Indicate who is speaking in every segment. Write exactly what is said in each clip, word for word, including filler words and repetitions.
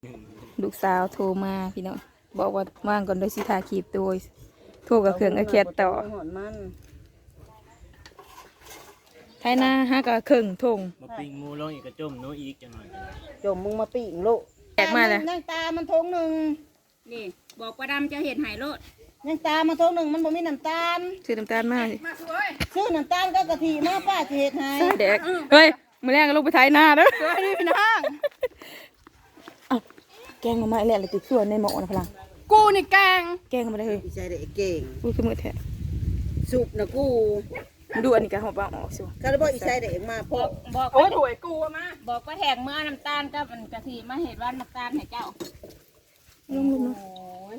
Speaker 1: ลูกสาวโทรมาพี่น้องบอกว่าว่างก่อนโดยสิทาขีบตัวโทรกับเครื่องไอแคดต่อไทยนาห้ากับเครื่องทง
Speaker 2: มาปิ้งหมูลงอีกกระจมโนอีกจังหน่อย
Speaker 3: จมมึงมาปีงลูก
Speaker 1: แตกมาเลย
Speaker 3: ยังตามันทงหนึ่ง
Speaker 4: นี่บอกว่าดำจะเห็ดหายโลด
Speaker 3: ยังตามันทงหนึ่งมันบ่มีน้ำตาล
Speaker 1: ซื้อน้ำตาลมาสิ
Speaker 3: ซื้อน้ำตาลก็กะทิมาป้าจะเห็ดให้
Speaker 1: ใส่แดกเฮ้ยมือแรกก็ลูกไปไทยนาเด้อเฮ้ยพี่น้องเอาแกงมาไม่แหละเลยติดส่วนในหม้อนะพลัง
Speaker 4: กูนี่แกง
Speaker 1: แกงมาได้เลย
Speaker 3: อีใจเด็กเก่ง
Speaker 1: กูคือมือแทะ
Speaker 3: สุกนะกู
Speaker 1: ดูอันนี้กันหัวปลาออกสิ
Speaker 3: คาร์บอนอีใจเด็กมาพ่อ
Speaker 4: บอก
Speaker 1: โอ้ยถวยกูมา
Speaker 4: บอกว่าแทงเมื่อน้ำตาลกับมันกะทิมาเห็ดว่าน้ำตาลให้เจ้า
Speaker 1: ลุงลุง
Speaker 4: โอ้ย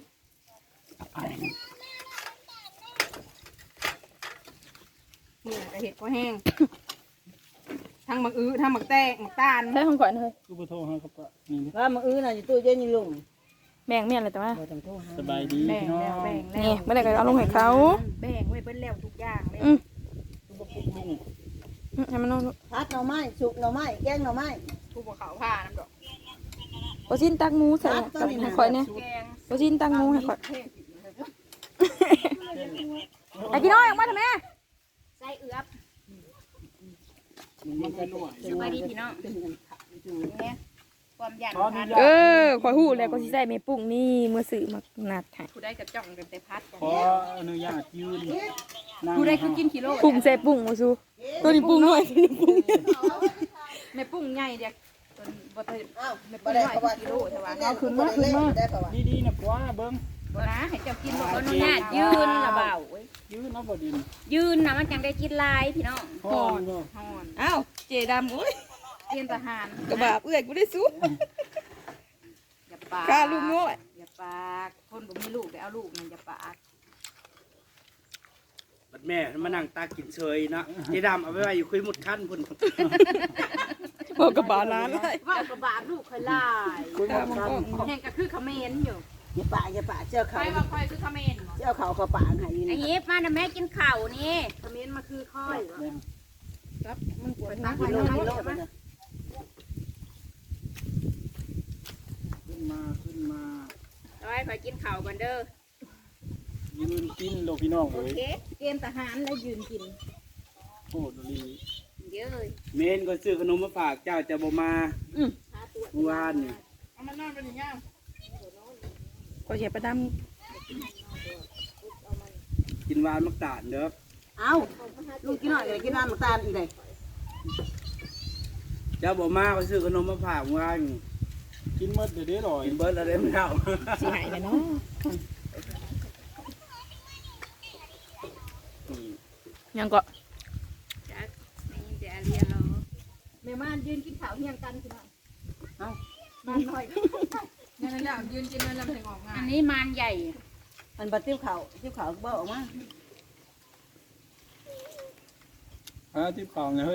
Speaker 4: นี่กะเห็ดก็แห้งทั้งหมักอื้อทั้งหมักแตงหมักตาล
Speaker 1: ได้ของก่อนเลย
Speaker 2: กูไปโทรหาครับป้านี่
Speaker 3: ว่ามึงอื้อน่ะอยู่ตู้เย็นนี่ลุง
Speaker 1: แบ่งเมี่ยนเลยแต่ว่า
Speaker 3: บ่ต้องโทรหา
Speaker 2: สบายดี
Speaker 4: แบ่ง
Speaker 2: พี่น้อ
Speaker 4: แล้ว
Speaker 2: ง
Speaker 4: แบ่งแล้
Speaker 1: นี่
Speaker 4: ว
Speaker 1: เมื่อไหร่ก็เอาลงให้เขา
Speaker 4: แบ่งไว้เบิ้ลแล้วทุกอย่างเลย
Speaker 1: อืม
Speaker 2: กูบอกลุง
Speaker 1: อืมให้มันนอน
Speaker 3: พัดหน่อไม้สุกหน่อไม้แกงหน่อไม้
Speaker 4: ทุกเขาผ้าน้ำดอก
Speaker 1: โอชินตักหมูใส่กับให้ข่อยเนี่ย
Speaker 4: แกง
Speaker 1: โอชินตักหมูให้ข่อย
Speaker 4: เทศ
Speaker 1: ไอ้พี่น้อยออกมาทำไม
Speaker 4: ไส้เอือบ
Speaker 2: มันก็นวด
Speaker 4: สบายดีพี่น้องเนี่ยความหยาดพัน
Speaker 1: เออข่อยหู้แล้วก็สิใส่เมปุ้งนี่เมื่อสื่อมานัดให้
Speaker 4: ผู้ได้กระจ่องกันแต่พัดกัน
Speaker 2: ขออนุญาตยืนนั่ง
Speaker 4: ผู้ได้คือกินกิโล
Speaker 1: ปุ้งใส่ปุ้งมาสู้ตัวนี้ปุ้งน้อยตัวนี้ปุ้ง
Speaker 4: แม่ปุ้งใหญ่เด็กตัวบ่ได้
Speaker 3: อ้าว
Speaker 4: แม่
Speaker 3: บ่
Speaker 4: ปุ้ง
Speaker 3: ได้
Speaker 4: น้อย
Speaker 3: เขาว่า
Speaker 4: กิโลใช่ปะ
Speaker 3: เอาขึ้นมาขึ้นมาได้เขาว่า
Speaker 2: ดีๆนะกว่าเบิ้ง
Speaker 4: บ่นะให้เจ้ากินบ่อนุญาตยืนละเบาเว้ย
Speaker 2: ยืนเอาบ่ดิน
Speaker 4: ยืนนะมันจังได้กินลายพี่น้อง
Speaker 2: ห่อนบ่
Speaker 4: ฮอน
Speaker 1: อ้าวเจดำอุ้ย
Speaker 4: เตรียมทหาร
Speaker 1: กระบาเอื้อยกูได้สู้
Speaker 4: อย่าปาก
Speaker 1: กล้าลูกน้อย
Speaker 4: อย่าปากคนบ่มีลูกได้เอาลูกมันอย่าปาก
Speaker 5: บัดแม่มานั่งตากินเฉยเนาะเจดำเอาไปไว้อยู่คุยหมดขั้นพุ่น
Speaker 1: บอกกระบาล้านเลย
Speaker 4: ว่ากระบาดลูกค่อยลาย
Speaker 3: คุยมากัน
Speaker 4: แห่งก็คือเขมรอยู่
Speaker 3: อย่าปะอย่าปะเจ้า
Speaker 4: ใค
Speaker 3: เขา
Speaker 4: รว่าค่อยคือเขมรบ่
Speaker 3: เจ้าเขาเขาปางให้อยู่
Speaker 4: ไอ้
Speaker 3: นี่
Speaker 4: เฮ็บมาน่ะแม่กินข้าวนี่เขมรมาคือค่อยครับมันปวดตัก
Speaker 3: กิ
Speaker 4: ไว้
Speaker 3: โล
Speaker 4: น้อย
Speaker 3: กิโล
Speaker 4: ๆ
Speaker 3: มั
Speaker 4: มาน
Speaker 3: น่ะ
Speaker 2: ขึ้นมาขึ้นมา
Speaker 4: ร้อยค่อยกินข้าวก่อนเด้อ
Speaker 2: ยืนกินโลกพี่น้อง
Speaker 4: โอ
Speaker 2: เลย
Speaker 4: เคเกณฑ์ทหารแล้วยืนกิน
Speaker 2: โอ้ดลี
Speaker 4: เยอะเลย
Speaker 5: เมนก็ซื้อขนมมาฝากเจ้าจะบ่มาเมื่อวานนี่
Speaker 4: เอามานอนเป็นอย่างงี้
Speaker 1: ก็เสียประด
Speaker 5: กินหวานมักตาดเด้อ
Speaker 3: เอ้าลุงกินหน่อยเลยกินน้ำน้ำตาลอีกเลย
Speaker 5: เจ้าบ่มาก็ซื้อขนมมาฝากเมื่อวานนี่
Speaker 2: กินหมดเดี๋ยวได้อร่อย
Speaker 5: กินเบิร์ดอะไรไม่เอา
Speaker 1: ำสิหายเลยเนาะยังก็
Speaker 4: จ้ะนี่จะเรียนเราแม่ม่านยืนกินข้าวเฮียงกันคือเนาะ
Speaker 3: เอ้า
Speaker 4: มันหน่อยนั่นแหละยืนกินนั่นแหละถึงออกงานอันนี้มันใหญ่
Speaker 3: มันบัดติ้วเขาติ้วเขาเบ้าออกมา
Speaker 2: อ่าที่เปล่าเนี่ยเฮ้ย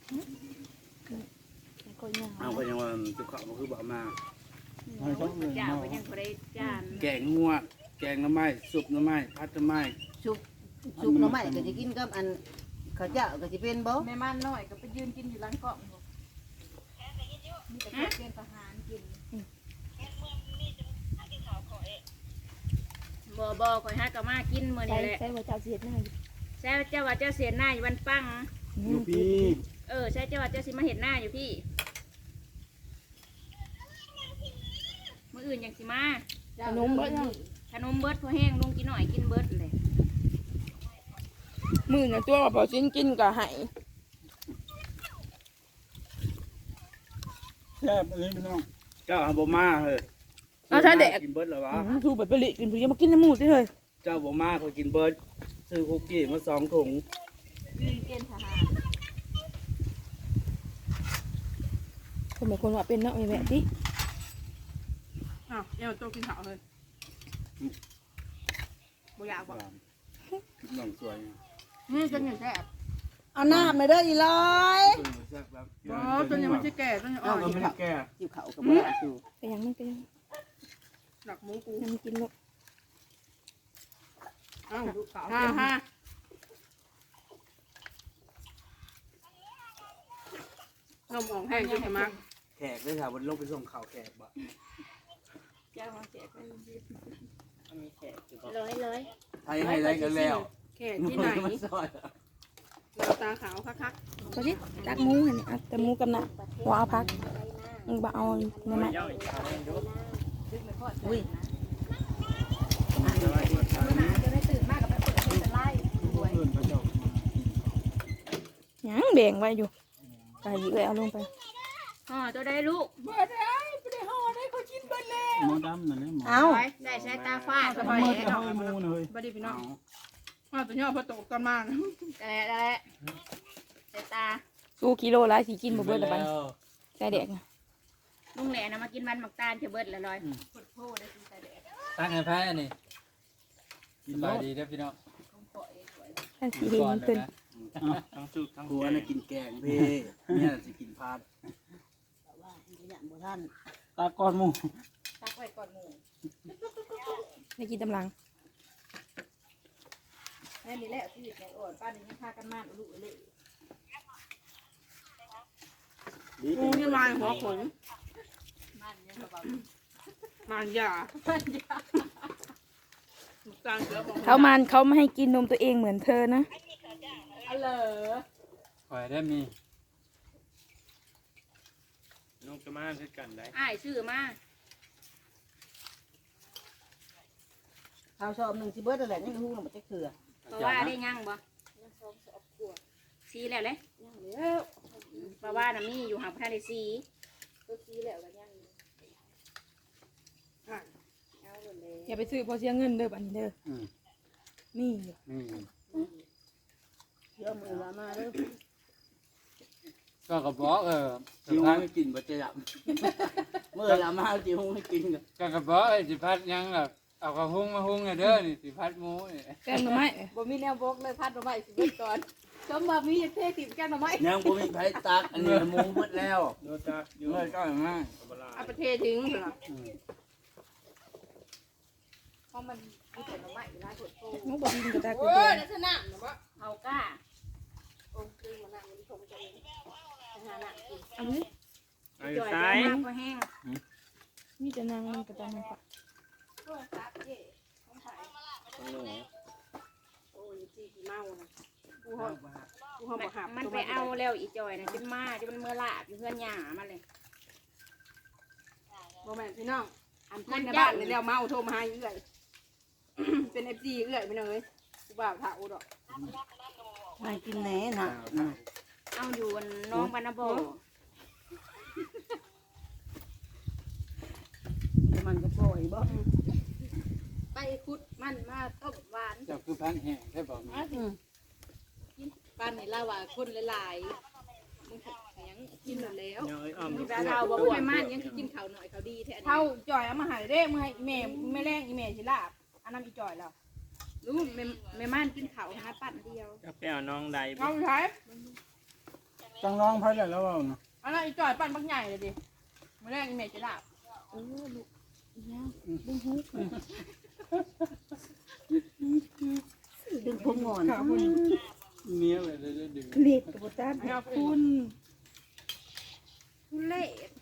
Speaker 5: เอาก็ยังว่าจุกเขาก็คือบ่มา
Speaker 2: ให้เขาเลย
Speaker 4: เจ้า
Speaker 2: เนาะ
Speaker 4: ก็ยังบ่ได้จาน
Speaker 5: แกงงัวแกงหน้ำไม้สุปหน้ำไม้พัดหน้ำไม้
Speaker 3: สุกสุกหน่อไม้ก็จะกินกับอันข้าวเจ้าก็จะเป็นบ่
Speaker 4: แม่ม่านน้อยก็ไปยืนกินอยู่หลังเกาะบ่มีแต่เกณฑ์ทหารกินบ่บ่ข่อยหาก็มากินมื้อ
Speaker 1: ใช่
Speaker 4: นี้แหละ
Speaker 1: ใช่ว่าเจ้าเสียดหน้าอยู่
Speaker 4: ใช่เจ้าว่าเจ้าเสียหน้าอยู่วันปัง
Speaker 2: อยู่พี่
Speaker 4: เออใช่เจ้าว่าเจ้าสิมาเห็นหน้าอยู่พี่มื้ออื่นยังสิมา
Speaker 1: ขนมเบิดยัง
Speaker 4: ขนมเบิดพอแห้งลุงกินหน่อยกินเบิดเลย
Speaker 1: มือน่ะตัวกับพอชิ้นกินก็ใหาย
Speaker 2: แซ่บเลยพี่น้อง
Speaker 5: เจ้าเอาบ่มาเฮ้ย
Speaker 1: เอาใช่เด็ก
Speaker 5: กินเบิร์ดเหรอวะ
Speaker 1: ทูแบบไปลิกินทูยังมากินน้ำมูดสิเฮ้ย
Speaker 5: เจ้าบ่มาเขากินเบิร์ดซื้อคุกกี้มาสองถุง
Speaker 4: ยืนเกณฑ์ทหาร
Speaker 1: คนเหมือนคนว่าเป็นเนาะไอ้แม่ดิ
Speaker 4: อ้าวเดี๋ยวโตกินข้าวเลยบ่อยากบ่
Speaker 5: น้องสวย
Speaker 4: นี่จนอยู่แซ่บ
Speaker 3: เอาน้ำมาเด้ออีร้อย
Speaker 5: แซ่บแบบ
Speaker 4: อ๋อจนยังไม่ใช่แก่จนยังอ่
Speaker 5: อ้า
Speaker 4: อ
Speaker 5: วน ก็ไม่ได้แก่
Speaker 3: จิ้วเขากับบ่ได้อยู่
Speaker 1: ไปยังมันไปยัง
Speaker 4: หนักหมูกู
Speaker 1: ยังไม่กินหรอก
Speaker 4: อ้าวดูขาวฮ่าฮ่า นมออกแห้งจนจะมัก
Speaker 5: แขกเลยค่ะวันลงไปส่งข่าวแขกบ่
Speaker 4: เจ้ามาแขก
Speaker 3: ร้อยร้อย
Speaker 5: ไทยให้ได้กันแล้ว
Speaker 4: แขกที่ไหน
Speaker 5: มันซอย
Speaker 4: เราตาขาวคัก
Speaker 1: ก็สิตักหมูหั่นนี่เอาแต่หมูกับน่ะบ่เอาผักมึงบ่เอาในไม้
Speaker 3: อุ้ย
Speaker 4: จะได้ตื่นมากกับไปเปิดเป็นไล่
Speaker 2: เพื่อนเขาเจ้า
Speaker 1: หยังแบ่งไว้อยู่ไก่เอ้ยเอาลงไป
Speaker 4: อ๋อตัวได้ลูก
Speaker 2: หมอดำนั่นแหละหมอ
Speaker 3: เอา
Speaker 4: ได้ใช้ตาฟาด
Speaker 2: ทำไมจะให้มูนะเฮ้ย
Speaker 4: บดีพี่น้องอ๋อตัวนี้พอตกกันมาแต่แต่ใช้ตา
Speaker 1: สู้กิโลละสิกินบ่เบิดละบัดใส่แดกน่ะ
Speaker 6: ลุงแหล่นะมากินมันหมักตาลจะเบิดละลอย
Speaker 5: ตั้งให้แพ้นี่
Speaker 2: กิ
Speaker 5: ส
Speaker 2: น
Speaker 5: บา
Speaker 2: แล้
Speaker 5: ยว ดีเด้อพี่น้อง
Speaker 1: ท่านสิเห็นเพิ่น
Speaker 5: ทั้งสุกทั้งหัวน่ะกินแกงพี่เนี่ยสิกินพาด
Speaker 3: อย่างบ่ท่าน
Speaker 2: ตาก้อนหมู
Speaker 4: ตักไว้ก่อนหมู
Speaker 1: ได้กินตำลัง
Speaker 4: แม่นี่แหละที่ในอ่อนป้านี่ยังพากันมาลูกเลยงูนี่มาหัวขนมันยามันยาต่างเสือของ
Speaker 1: เขามันเขาไม่ให้กินนมตัวเองเหมือนเธอนะ
Speaker 4: อ๋อเหรอ
Speaker 5: ข่อยได้มี
Speaker 2: น้องจะมาเช่นกันได้
Speaker 6: อ้ายชื่อมา
Speaker 3: ข้าวชอบหนึ่งสิเบิร์ดอะไรนี่ฮู้หนูมันจะเกลือ
Speaker 6: เพราะว่าได้ยังบ่ซีแล้วเลยเพราะว่าน่ะมีอยู่หางพระได้ซี
Speaker 1: อย่าไปซื้อเพอเสียเงินเด้อบัดนี้เด้อ
Speaker 5: อืม
Speaker 1: มีอยู่
Speaker 5: นี่
Speaker 3: เยอะมือละมาเลย
Speaker 5: ก็กระบอกเออสิพาไม่กินบ่จะยับ
Speaker 3: เมื่อละมาจิฮู้ให้กินกัน
Speaker 5: ก็กระบอกไอ้สิพัดยังล่ะเอากระหุงมาหุงเด้อนี่สิพัดหมูนี่
Speaker 1: แกงหน่อไม้
Speaker 4: บ่มีแนวบกเลยพัดมาไว้สิเบิดก่อนจมมามีอยากเทติ่มแก้มมาไหม
Speaker 5: ยังบ่มีไผตักอันนี้หมูหมดแล้ว
Speaker 2: โดนตาอยู่
Speaker 5: เมื่อก็มา
Speaker 4: เอาไปเททิ้งเหรอเพราะมันมีแต่มาไหมอยู่ร้านสดโต
Speaker 1: หมูบ่กินก็ได้กู
Speaker 4: โอ้
Speaker 1: เด้
Speaker 4: ย
Speaker 1: อ
Speaker 4: ลักษณะเหรอวะ
Speaker 6: เอาก้า
Speaker 4: โอ้คือมันนั่งมันชมกันเองหาหนักกิน
Speaker 1: อันนี้
Speaker 6: จ่อยได้มากก็แห้ง
Speaker 1: มีแต่นางมันก็ตามมันค่ะ
Speaker 4: โอ้ยครับเจ๊ของไผ่โอ้ยจีกี่เมานะกูหอบกูหอบหับ
Speaker 6: มันไปเอาแล้วอีจอยนะจนมาจนมันเมื่อลาบอยู่เพื่อนหยามาเลย
Speaker 4: บ่แม่นพี่น้องอันคนในบ้านนี่แล้วเมาโทรมาหาเอื้อยเป็นเอฟซีเอื้อยไปเลยกูบ่าวถาอุดอก
Speaker 3: มากินแหน่น่ะ
Speaker 6: เอาอยู่น้องปานาโบ
Speaker 3: มันก็ปล่อยบ่
Speaker 4: ไปคุดมันมาต้มหวาน
Speaker 5: เจ้าคือพันแห้งใช่บ่มี
Speaker 4: ป้านนี่ลาว่าคนหลายๆมึงยังกินแล้ว
Speaker 6: มีแววเราบ่
Speaker 4: พู
Speaker 6: บ่
Speaker 4: ดไปมันยังกินข้าวหน่อยข้าวดีแท้เท่าจ่อยเอามาหายเด้มึงให้แม่ไม่แรงอีแม่สิลาบอันนั้นอีจ่อยแล้วรู้แม่แม่ม่านกินข้าวหาปั้นเดียว
Speaker 2: จะไปเอาน้องใด
Speaker 4: เอาใช้
Speaker 2: จังน้องไพ่ได้แล้วว่าเนาะ
Speaker 4: อันนั้นอีจ่อยปั้นบักใหญ่เลยดิไม่แรงอีแม่สิลาบ
Speaker 3: ดึงผมงอน
Speaker 2: เนี้ยเลยได้ดึง
Speaker 1: เลียดกับบ่ตัด
Speaker 4: ให้เอาคุณคุณเล่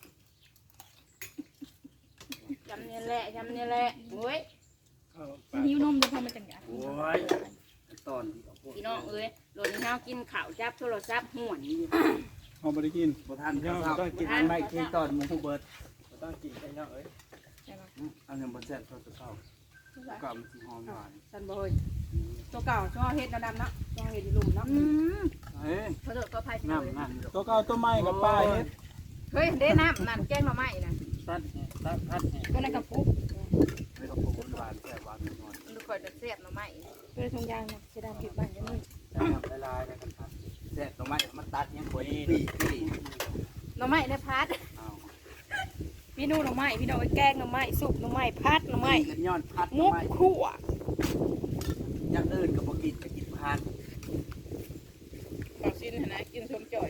Speaker 6: จำเนี่ยแหละจำเนี่ยแหละโอ้ย
Speaker 1: หิวนมจะทำมาจังไง
Speaker 5: โอ้ยตอนที่เอาพวก
Speaker 6: พี่น้องเอ้ยหล่นข้าวกินข้าวจับโทรศัพท์ห่วนอยู่
Speaker 2: เอาไปกิน
Speaker 5: บ่ทันข้าวต้องกินไม่กินตอนหมูเบิดบ่ต้องกินกันเนาะเอ้ยอันนั้นบ่แซ่บเท่าตัวเก่าก็มันสิหอมหวาน
Speaker 4: สันบ่อยตัวเก่าช่อเฮ็ดดำๆเนาะช่อเฮ็ดอีหลุมเนาะ
Speaker 6: อืม
Speaker 5: เฮ้ย
Speaker 6: ขอโทษขออภัยพี่
Speaker 5: น้ำ
Speaker 6: น้อง
Speaker 5: นั่นดอก
Speaker 2: ตัวเก่าตัวใหม่กับป้าเฮ็ด
Speaker 4: เฮ้ยเด้น้ำนั่นแกงมาใหม่น่ะ
Speaker 5: ตัดแห้งตัดพัดแห้ง
Speaker 1: ก็ในกระปุก
Speaker 5: แล้วก็ปลูกหวานแซ่บหวานน้อย
Speaker 4: มันค่อยจะเสียบมาใหม่
Speaker 1: ก็เลยทงยางนะจะดำผิดบ้านยังนี่
Speaker 5: ๆแต่ทำละลายแล้วกันครับแซ่บตรงไม้มันตัดยังบ่ดีปีปี
Speaker 4: หน่อไม้ในพัด
Speaker 5: เอา
Speaker 1: พี่นู่นหน่อไม้พี่น้องไอ้แกงหน่อไม้สุกหน่อไม้พัดหน่อไม้
Speaker 5: กันย้อนพัด
Speaker 1: มุก
Speaker 5: ไม้
Speaker 1: ขั่ว
Speaker 5: อย่างอื่นก็บ่กินก็กินพัด
Speaker 4: ข้าวชิ้นหั่นนะกินชมจ่อย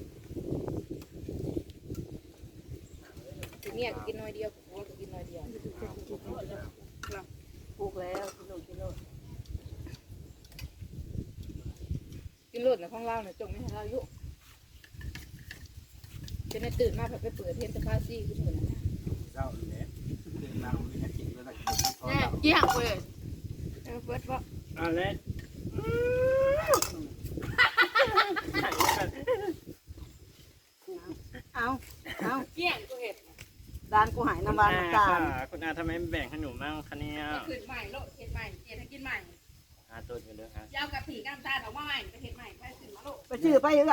Speaker 4: ทีนี้กินน้อยเดียวผัวก็กินน้อยเดียวปลูกแล้วกินโลดกินโลดกินโลดในห้องเล่าเนี่ยจงไม่ให้เรายุจะได้ตื่นมาแบบไปเปิดเทนสปาซี่ขึ้นเหมือน
Speaker 5: เจ้านี่แหละเรื่องราวนี่
Speaker 4: เกี่ยงเลยเออเบิดบ่
Speaker 5: เอาเล็ก
Speaker 3: เอาเอา
Speaker 4: เกี่ยงกูเห็ด
Speaker 3: ด้านกูหายน้ำมันน้ำตาล
Speaker 5: คุณอาทำไมไม่แบ่งให้หนูมั่งคะเนี่ย
Speaker 4: ก็ขึ้นใหม่โลดเห็ดใหม่เจ็ดให้กินใหม่
Speaker 5: อาตัวกันด้วยฮะ
Speaker 4: ยาวกับผีกำตาลออกมาใหม่ไปเห็ดใหม่ไปขึ้นมาโลด
Speaker 3: ไปชื่อไปยังไง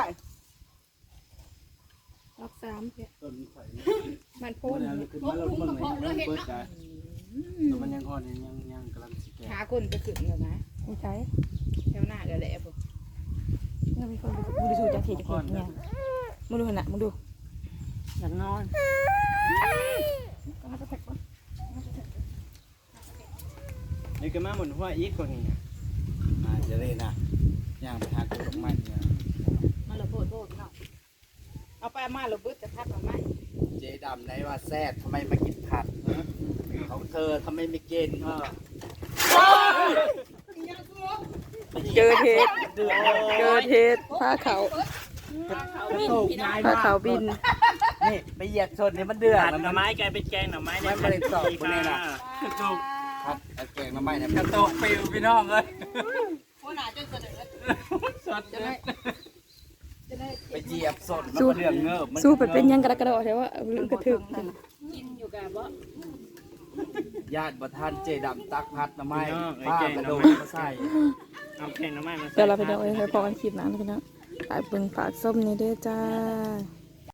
Speaker 4: รอบสามเพีย
Speaker 2: ต้นไผ่
Speaker 4: มัน
Speaker 2: โพ
Speaker 4: โพ่น
Speaker 2: นขึ้นมาแล้วเบิ่งให้เบิดได้แต่มันยังอ่อนยังยังกำลังสิแก่
Speaker 4: หาคนไปขึ้นแล้วนะ
Speaker 1: ไม่ใช่
Speaker 4: แถวหน้าเดี๋ยวแหละผม
Speaker 1: มึงมีคนมึงดูสูจากเขตจากเขตเนี่ยมึงดูขนาดมึงดู
Speaker 3: อยากนอน
Speaker 5: นี่ก็มาหมุนหัวอีกคนนี้
Speaker 2: อ่าจะเล่นนะย่างไปหาตัวดอกไม้เนี่ย
Speaker 3: มันละโพดโพดเนาะ
Speaker 4: เอาไปมาเราบึ้ดจะทับมาไหม
Speaker 5: เจดำได้ว่าแซ่บทำไมมากินผัดของเธอทำไมไม่กิน
Speaker 1: เจอเทศเจอเทศผ้าเขา
Speaker 5: โตกง่าย
Speaker 1: ผ้าม
Speaker 5: าก
Speaker 1: เขาบิน
Speaker 5: นี่ไปเหยียบชนนี่มันเดือดหน่อไม้กลายเป็นแกงหน่อไม้ไม่ไม่ได้ตอกคนนี้นะถูก
Speaker 2: พัดแกงน้ำไม้เนี่ย
Speaker 5: กระโตกปิวพี่น้องเลย
Speaker 4: หัวหน้าจนเสด็จ
Speaker 5: สดเลยไปเหยียบสดมันเดือดเงือบ
Speaker 1: สู้ไปเป็นยังกระกระโดดใช่ว่าลืมกระถึก
Speaker 6: กินอยู่กับบ่
Speaker 5: ญาติประทานเจดำตักพัดหน่อไม้ป้ากระโดดมาใส่เอาแกงหน่อไม้มาใส่
Speaker 1: เดี๋ยวเราไปดูเอ้ยไปพอกันคลิปนั้นนะพี่น้องฝากเบิ่งฝากส้มนี่เด้อจ้า